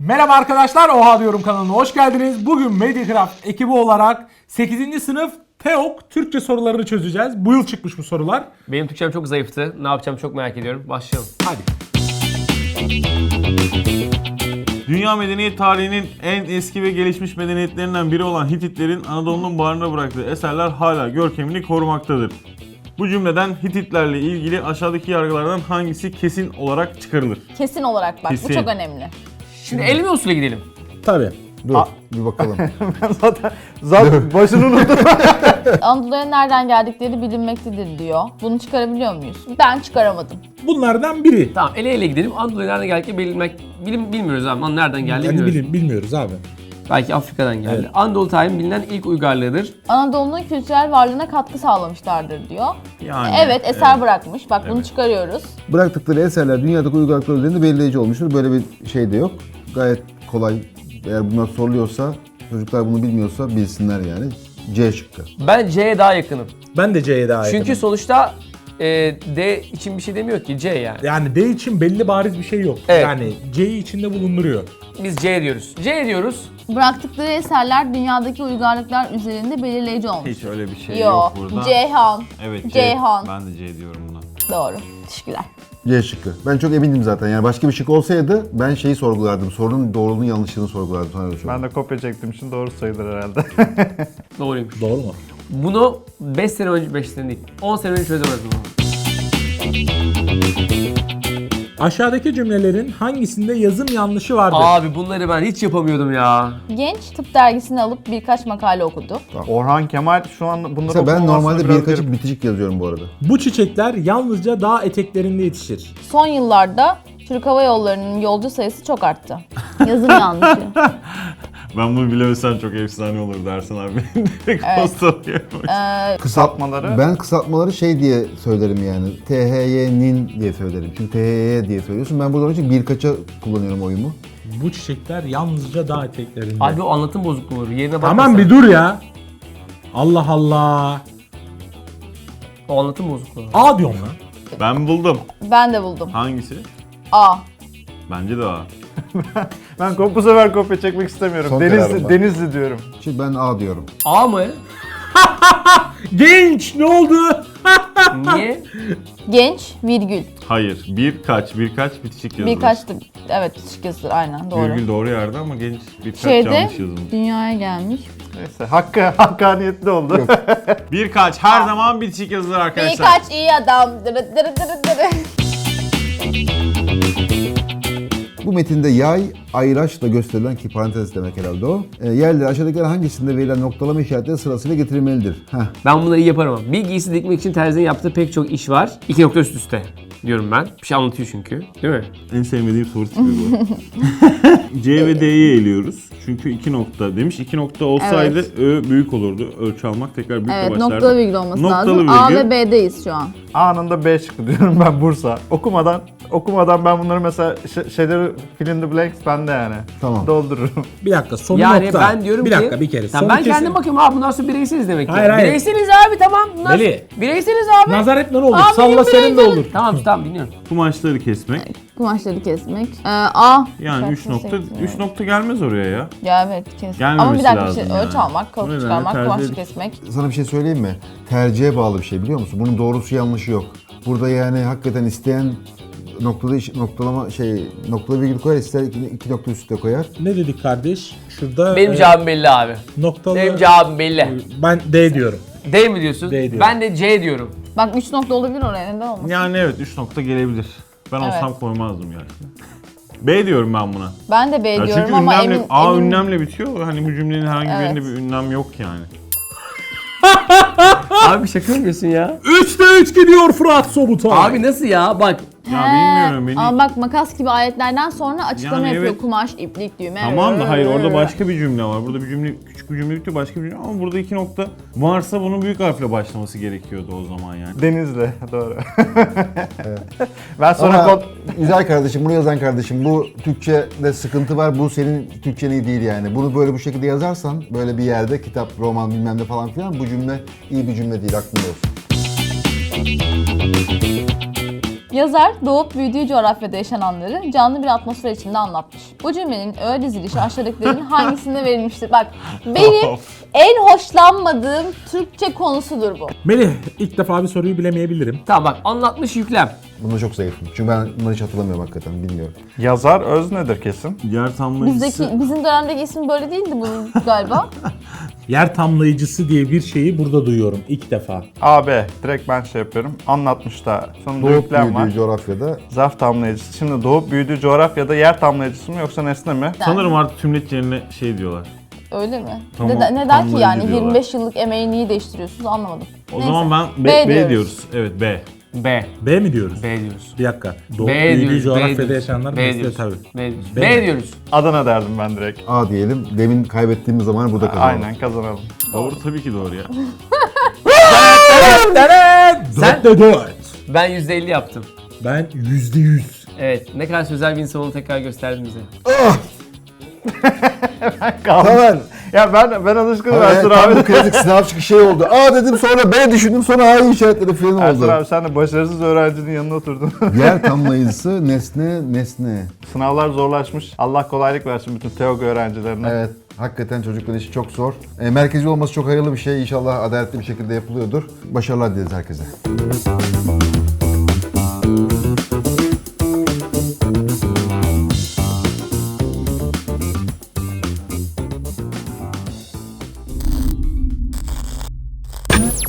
Merhaba arkadaşlar, Oha Diyorum kanalına hoş geldiniz. Bugün Mediacraft ekibi olarak 8. sınıf TEOK Türkçe sorularını çözeceğiz. Bu yıl çıkmış bu sorular. Benim Türkçem çok zayıftı. Ne yapacağımı çok merak ediyorum. Başlayalım. Hadi. Dünya medeniyet tarihinin en eski ve gelişmiş medeniyetlerinden biri olan Hititlerin Anadolu'nun bağrına bıraktığı eserler hala görkemini korumaktadır. Bu cümleden Hititlerle ilgili aşağıdaki yargılardan hangisi kesin olarak çıkarılır? Kesin olarak bak, Kesin. bu çok önemli. Şimdi elime usulü gidelim. Tabii. Dur bir bakalım. Zaten başını unuttum. Anadolu'ya nereden geldikleri bilinmektedir diyor. Bunu çıkarabiliyor muyuz? Ben çıkaramadım. Bunlardan biri. Tamam, ele gidelim. Anadolu'ya nereden geldiğini bilmiyoruz abi. Lan nereden geldi Yani bilmiyoruz. bilmiyoruz abi. Belki Afrika'dan geldi. Evet. Anadolu tarihinin bilinen ilk uygarlığıdır. Anadolu'nun kültürel varlığına katkı sağlamışlardır diyor. Yani Evet, eser bırakmış. Bak bunu çıkarıyoruz. Bıraktıkları eserler dünyadaki uygarlıklar üzerinde belirleyici olmuştur. Böyle bir şey de yok. Gayet kolay. Eğer bunlar soruluyorsa, çocuklar bunu bilmiyorsa bilsinler yani. C şıkkı. Ben C'ye daha yakınım. Ben de C'ye daha yakınım. Çünkü sonuçta D için bir şey demiyor ki, C yani. Yani D için belli bariz bir şey yok. Evet. Yani C'yi içinde bulunduruyor. Biz C diyoruz. C diyoruz. Bıraktıkları eserler dünyadaki uygarlıklar üzerinde belirleyici olmuş. hiç öyle bir şey Yo, yok burada. Ceyhan. Evet C. Ceyhan. Ben de C diyorum buna. Doğru. Teşekkürler. C şıkkı. Ben çok emindim zaten. Yani başka bir şık olsaydı ben şeyi sorgulardım. Sorunun doğruluğunu yanlışlığını sorgulardım. Sana öyle söyleyeyim. Ben de kopya çektiğim için doğru sayılır herhalde. Doğruymuş. Doğru mu? Bunu 5 sene önce, 5 sene değil, 10 sene önce çözemezdim bunu. Aşağıdaki cümlelerin hangisinde yazım yanlışı vardır? Abi bunları ben hiç yapamıyordum ya. Genç tıp dergisini alıp birkaç makale okudu. Orhan Kemal şu an bunları Mesela ben okumamasını normalde biraz birkaçı garip. bitişik yazıyorum bu arada. Bu çiçekler yalnızca dağ eteklerinde yetişir. Son yıllarda Türk Hava Yolları'nın yolcu sayısı çok arttı. Yazım yanlışı. Ben bunu bilemesem çok efsane olur dersin abi. Direkt Evet. posta Kısaltmaları. Ben kısaltmaları şey diye söylerim yani. THY'nin diye söylerim. Çünkü THY diye söylüyorsun. Ben burada onun için birkaça kullanıyorum oyumu. Bu çiçekler yalnızca dağ eteklerinde. Abi o anlatım bozukluğu olur. Yerine bak. Tamam bir dur ya. Allah Allah. O anlatım bozukluğu. A diyorum lan. Ben buldum. Ben de buldum. Hangisi? A. Bence de A. Ben bu sefer kopya çekmek istemiyorum. Son kararım Denizli, ben. Denizli diyorum. Şimdi ben A diyorum. A mı? Genç ne oldu? Niye? Genç, virgül. Hayır. Birkaç bitişik yazılır. Birkaçtı. Evet, küçük yazılır aynen doğru. Virgül doğru yerde ama genç birkaç Şeyde yanlış yazılmış. dünyaya gelmiş. Neyse hakkaniyetli oldu. Birkaç her zaman bitişik yazılır arkadaşlar. Birkaç iyi adam. Dırı dırı dırı dırı. Bu metinde yay, ayraçla gösterilen ki parantez demek herhalde o. Yerleri aşağıdakiler hangisinde verilen noktalama işaretleri sırasıyla getirilmelidir? Heh. Ben bunları iyi yaparım. Bir giysi dikmek için terzinin yaptığı pek çok iş var. 2 nokta üst üste diyorum ben. Bir şey anlatıyor çünkü. Değil mi? En sevmediğim soru tipi bu. C ve D'yi eliyoruz. Çünkü 2 nokta demiş. 2 nokta olsaydı Ö büyük olurdu. Ölçü almak tekrar büyükle Evet, başlardı. noktalı virgül olması Noktalı lazım. A virgül. ve B'deyiz şu an. Anında B çıktı diyorum ben Bursa. Okumadan ben bunları mesela şeyleri fill in the blanks bende yani. Tamam. Doldururum. Bir dakika sonu Yani nokta. ben diyorum bir ki... dakika bir kere. Tamam, Sonu ben kesin. kendim bakıyorum abi, bundan sonra bireyseliz demek ki. Hayır, hayır. Bireyseliz abi, tamam. Bundan Veli. Bireyseliz abi. Nazar etme ne olur. Abi, Salla benim senin de bireyselim. olur. Tamam dinliyorum. Kumaşları kesmek. Kumaşları kesmek. A. Yani 3 nokta gelmez oraya ya. Ya evet kes. Gelmemesi Ama bir dakika lazım bir şey. yani. Ölçü almak, Bu kalıp nedenle çıkarmak, tercih kumaşı edip- kesmek. Sana bir şey söyleyeyim mi? Tercihe bağlı bir şey biliyor musun? Bunun doğrusu yanlışı yok. Burada yani hakikaten isteyen noktalı virgül koyar, ister iki nokta üstte koyar. Ne dedik kardeş? Şurada Benim cevabım belli abi. noktalı. Benim cevabım belli. Ben D diyorum. D mi diyorsun? D diyorum. Ben de C diyorum. Bak 3 nokta olabilir oraya, neden olmasın? Yani evet 3 nokta gelebilir. Ben Evet. olsam koymazdım yani. B diyorum ben buna. Ben de B Ya diyorum çünkü ama ünlemle, emin... A emin- ünlemle bitiyor. Hani bu cümlenin herhangi Evet. birinde bir ünlem yok yani. Abi şaka yapıyorsun ya. 3'te 3 gidiyor Fırat Sobutay. Abi nasıl ya? Bak. Ya bilmiyorum beni. Ama bak makas gibi ayetlerden sonra açıklama Yani yapıyor. evet. Kumaş, iplik, düğme. Tamam da hayır orada başka bir cümle var. Burada bir cümle, küçük bir cümle bitiyor, başka bir cümle ama burada 2 nokta varsa bunun büyük harfle başlaması gerekiyordu o zaman yani. Denizli doğru. Ben sonra Ama güzel kardeşim, bunu yazan kardeşim, bu Türkçe'de sıkıntı var, bu senin Türkçen iyi değil yani. Bunu böyle bu şekilde yazarsan, böyle bir yerde kitap, roman bilmem ne falan filan, bu cümle iyi bir cümle değil, aklında olsun. Yazar doğup büyüdüğü coğrafyada yaşananları canlı bir atmosfer içinde anlatmış. Bu cümlenin öğe dizilişi aşağıdakilerin hangisinde verilmiştir? Bak benim en hoşlanmadığım Türkçe konusudur bu. Melih, ilk defa bir soruyu bilemeyebilirim. Tamam bak, anlatmış yüklem. Bunda çok zayıfım. Çünkü ben bunları hiç hatırlamıyorum hakikaten, bilmiyorum. Yazar öznedir kesin. Yer tamlayıcısı. Bizim dönemdeki ismi böyle değildi bunun galiba. Yer tamlayıcısı diye bir şeyi burada duyuyorum ilk defa. AB. Direkt ben şey yapıyorum. Anlatmış da. Sonunda Doğup yüklem var. büyüdüğü coğrafyada Zarf tamlayıcısı. Şimdi doğup büyüdüğü coğrafyada yer tamlayıcısı mı yoksa nesne mi? Sanırım artık tümleç yerine şey diyorlar. Öyle mi? Tamam, Neden ki tamlayıcı yani diyorlar. 25 yıllık emeği niye değiştiriyorsunuz anlamadım. O Neyse. zaman ben B B diyoruz. diyoruz. Evet B. B. B mi diyoruz? B diyoruz. Bir dakika. Doğup B büyüdüğü diyoruz. coğrafyada yaşayanlar B mesle diyoruz. tabii. B diyoruz. B. B diyoruz. Adana derdim ben direkt. A diyelim. Demin kaybettiğimiz zaman burada kazanalım. Aynen kazanalım. Doğru tabii ki doğru ya. Sen- 4'te 4. Ben %50 yaptım. Ben %100. Evet, ne kadar sözel bir insan olduğunu tekrar gösterdim bize. Tamer. Ya ben alışkınım Evet, Ersun tam abi. bu klasik sınav çıkışı şey oldu. A dedim, sonra B düşündüm, sonra A'yı işaretledim falan Ersun oldu. abi sen de başarısız öğrencinin yanına oturdun. Yer tamlayıcısı nesne. Sınavlar zorlaşmış. Allah kolaylık versin bütün TEOG öğrencilerine. Evet, hakikaten çocukların işi çok zor. Merkezi olması çok hayırlı bir şey. İnşallah adaletli bir şekilde yapılıyordur. Başarılar dileriz herkese.